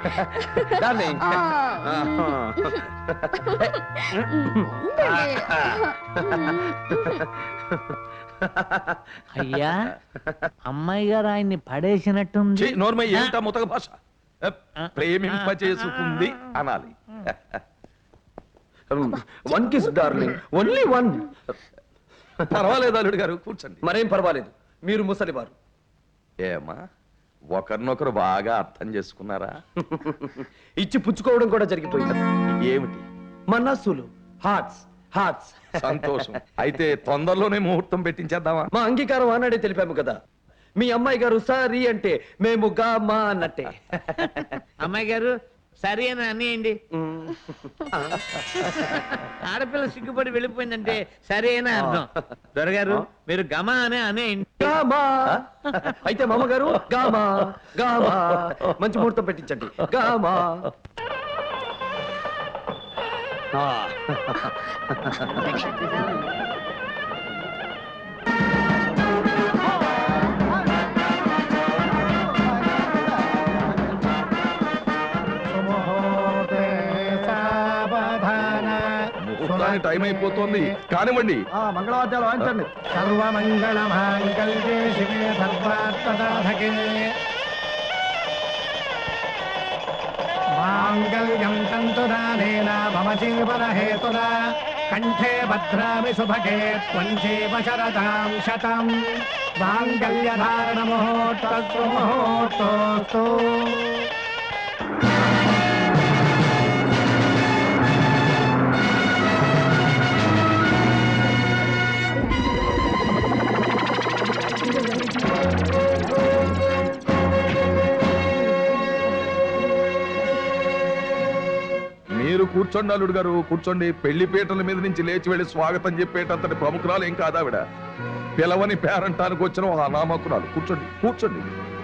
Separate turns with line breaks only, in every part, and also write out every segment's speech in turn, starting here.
Darling.
అయ్యా అమ్మాయి గారు ఆయన్ని పడేసినట్టుంది.
నోర్మై ఏంటా ముతక భాష? ప్రేమింపచేసుకుంది అనాలి.
One kiss darling, only one.
పర్వాలేదు అల్లుడు గారు, కూర్చోండి.
మరేం పర్వాలేదు, మీరు ముసలివారు.
ఏమా ఒకరినొకరు బాగా అర్థం చేసుకున్నారా?
ఇచ్చి పుచ్చుకోవడం కూడా జరిగిపోయింది.
ఏమిటి?
మనస్సులు, హార్ట్స్ హార్ట్స్.
సంతోషం. అయితే తొందరలోనే ముహూర్తం పెట్టించేద్దామా?
మా అంగీకారం ఆనాడే తెలిపాము కదా. మీ అమ్మాయి గారు సారీ అంటే మేము గా మా అన్నట్టే.
అమ్మాయి గారు సరే అని అనేయండి. ఆడపిల్ల సిగ్గుపడి వెళ్ళిపోయిందంటే సరే అని అర్థం. దొరగారు మీరు గమా అనే అనేయండి.
గామా. అయితే మామగారు గామా గామా. మంచి ముహూర్తం పెట్టించండి. గామా.
ముహూర్తానికి టైం అయిపోతుంది, కానివ్వండి.
మంగళవాద్యాలు వాయించండి.
సర్వమంగళ మాంగళ్యే శివే సర్వార్థసాధకే మాంగళ్యం తంతుదానేన మమ జీవన హేతునా కంఠే భద్రామి శుభగే త్వం జీవ శరదాం శతం మాంగళ్యధారణ ముహూర్తస్తు ముహూర్తోస్తు.
మీరు కూర్చోండి అల్లుడు గారు, కూర్చోండి. పెళ్లి పీటల మీద నుంచి లేచి వెళ్లి స్వాగతం చెప్పేటంతటి ప్రముఖురాలు ఏం కాదు ఆవిడ. పిలవని పేరంటానికి వచ్చిన ఒక అనామకురాలు. కూర్చోండి కూర్చోండి.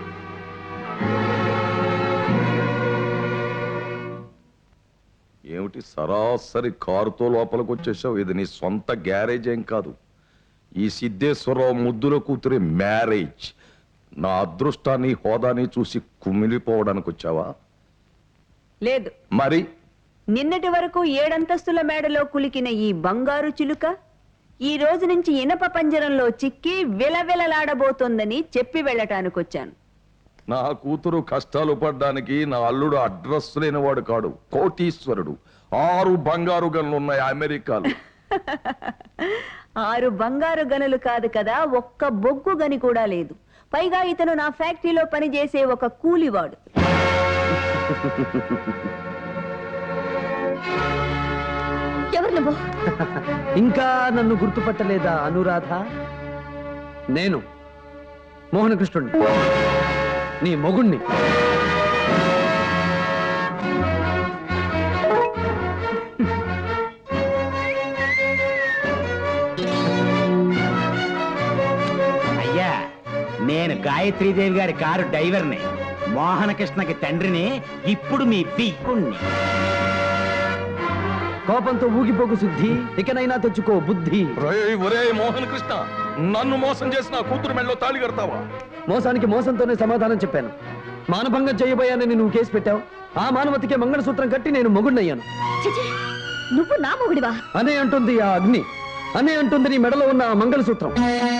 ఏమిటి సరాసరి కారుతో లోపలికి వచ్చేసావు? ఇది నీ సొంత గ్యారేజ్ ఏం కాదు. ఈ సిద్ధేశ్వరరావు ముద్దుల కూతురి మ్యారేజ్. నా అదృష్టాన్ని హోదాని చూసి కుమిలిపోవడానికి వచ్చావా?
లేదు.
మరి
నిన్నటి వరకు 7 అంతస్తుల మేడలో కులికిన ఈ బంగారు చిలుక ఈ రోజు నుంచి ఇనప పంజరంలో చిక్కి విలవిలలాడబోతోందని చెప్పి వెళ్ళటానికొచ్చాను.
నా కూతురు కష్టాలు పడ్డానికి నా అల్లుడు అడ్రస్ లేనివాడు కాడు, కోటీశ్వరుడు. 6 బంగారు గనులున్నాయి అమెరికాలో.
6 బంగారు గనులు కాదు కదా, ఒక్క బొగ్గు గని కూడా లేదు. పైగా ఇతను నా ఫ్యాక్టరీలో పనిచేసే ఒక కూలివాడు. ఎవరు నువ్వు?
ఇంకా నన్ను గుర్తుపట్టలేదా అనురాధ? నేను మోహనకృష్ణుణ్ణి, నీ మొగుణ్ణి.
అయ్యా, నేను గాయత్రీదేవి గారి కారు డ్రైవర్ని, మోహనకృష్ణకి తండ్రిని, ఇప్పుడు మీ పిక్కుణ్ణి.
కోపంతో ఊగిపోకు శుద్ధి, ఇకనైనా తెచ్చుకో బుద్ధి.
ఒరే మోహన్ కృష్ణ, నన్ను మోసం చేసిన కూతురు మెళ్ళలో తాళి కడతావా?
మోసానికి మోసంతోనే సమాధానం చెప్పాను. మానభంగం చేయబోయానని నువ్వు కేసు పెట్టావు. ఆ మానవతికే మంగళసూత్రం కట్టి నేను మొగుడినయ్యాను.
నువ్వు నా మొగుడివా?
అనే అంటుంది ఆ అగ్ని, అనే అంటుంది నీ మెడలో ఉన్న ఆ మంగళసూత్రం.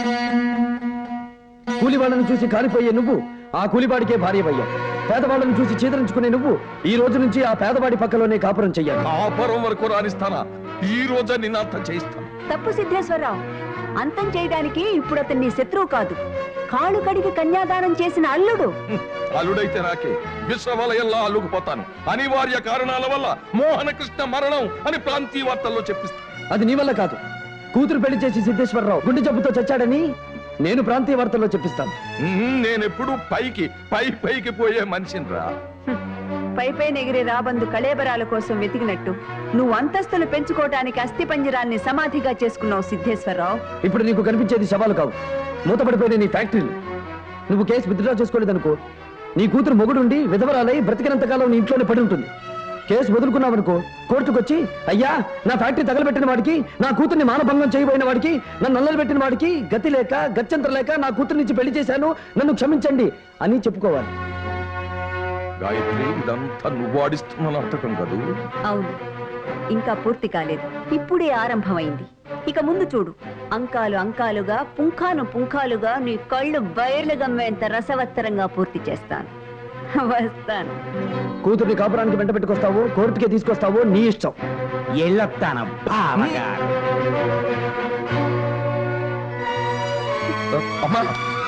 కూలివాళ్ళను చూసి కాలిపోయే నువ్వు ఆ కూలివాడికే భార్యవయ్యావు. పేదవాళ్ళను చూసి చీదరించుకునే నువ్వు ఈ రోజు నుంచి ఆ పేదవాడి పక్కలోనే కాపురం చెయ్యాలి.
కాపురం వరకు రానిస్తానా? ఈ రోజే నిన్ను అంతం చేయిస్తాను.
తప్పు సిద్ధేశ్వరరావు. అంతం చేయడానికి ఇప్పుడు అతన్ని శత్రువు కాదు, కాళ్ళు కడిగి కన్యాదానం చేసిన అల్లుడు.
అల్లుడైతే నాకే విశ్వవలయంలా అల్లుకుపోతాను. అనివార్య కారణాల వల్ల మోహనకృష్ణ మరణం అని ప్రాంతీయ వార్తల్లో చెప్పిస్తాను.
అది నీ వల్ల కాదు. కూతురు పెళ్లి చేసి సిద్ధేశ్వరరావు గుండె జబ్బుతో చచ్చాడని నేను ప్రాంతీయ వార్తల్లో చెప్పిస్తాను.
నేనెప్పుడు పైకి పోయే మనిషిని రా.
పైపై ఎగిరే రాబందు కళేబరాల కోసం వెతికినట్టు నువ్వు అంతస్తులు పెంచుకోవటానికి అస్థిపంజరాన్ని సమాధిగా చేసుకున్నావు సిద్ధేశ్వరరావు.
ఇప్పుడు నీకు కనిపించేది శవాలు కావు, మూతపడిపోయిన నీ ఫ్యాక్టరీలు. నువ్వు కేసు విత్డ్రా చేసుకోలేదనుకో, నీ కూతురు మొగుడుండి విధవరాలై బ్రతికినంతకాలం నీ ఇంట్లోనే పడి ఉంటుంది. కేసు వదులుకున్నావనుకో, కోర్టుకొచ్చి అయ్యా నా ఫ్యాక్టరీ తగలబెట్టిన వాడికి, నా కూతుర్ని మానభంగం చేయబోయిన వాడికి, నన్ను నల్లలు పెట్టిన వాడికి గతి లేక గత్యంతరం లేక నా కూతురు నుంచి పెళ్లి చేశాను, నన్ను క్షమించండి అని చెప్పుకోవాలి.
గాయత్రి ఇదంతా నువ్వు ఆడిస్తున్న నాటకం కదూ.
అవును, ఇంకా పూర్తి కాలేదు, ఇప్పుడే ఆరంభమైంది. ఇక ముందు చూడు, అంకాలు అంకాలుగా, పుంఖాను పుంఖాలుగా నీ కళ్ళు బయర్లు గమ్మేంత రసవత్తరంగా పూర్తి చేస్తాను. వస్తాను.
కూతుర్ని కాపురానికి వెంట పెట్టుకొస్తావో కోర్టుకే తీసుకొస్తావో నీ ఇష్టం.
ఎల్లొత్తాను బావగారు.
అమ్మా